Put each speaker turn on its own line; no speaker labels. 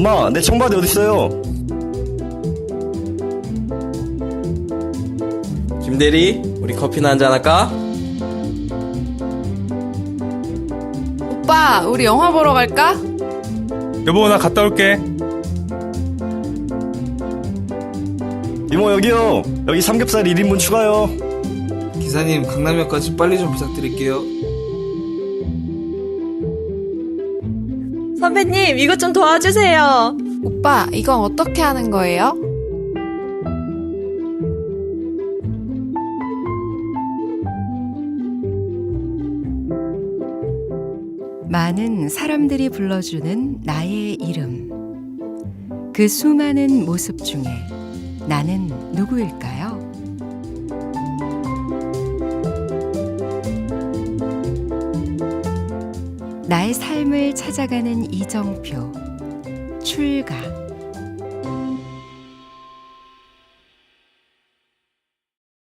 엄마, 내 청바지 어딨어요?
김대리, 우리 커피나 한잔 할까?
오빠, 우리 영화 보러 갈까?
여보, 나 갔다 올게.
이모, 여기요. 여기 삼겹살 1인분 추가요.
기사님, 강남역까지 빨리 좀 부탁드릴게요.
선배님, 이것 좀 도와주세요.
오빠, 이건 어떻게 하는 거예요?
많은 사람들이 불러주는 나의 이름. 그 수많은 모습 중에 나는 누구일까요? 나의 삶을 찾아가는 이정표. 출가.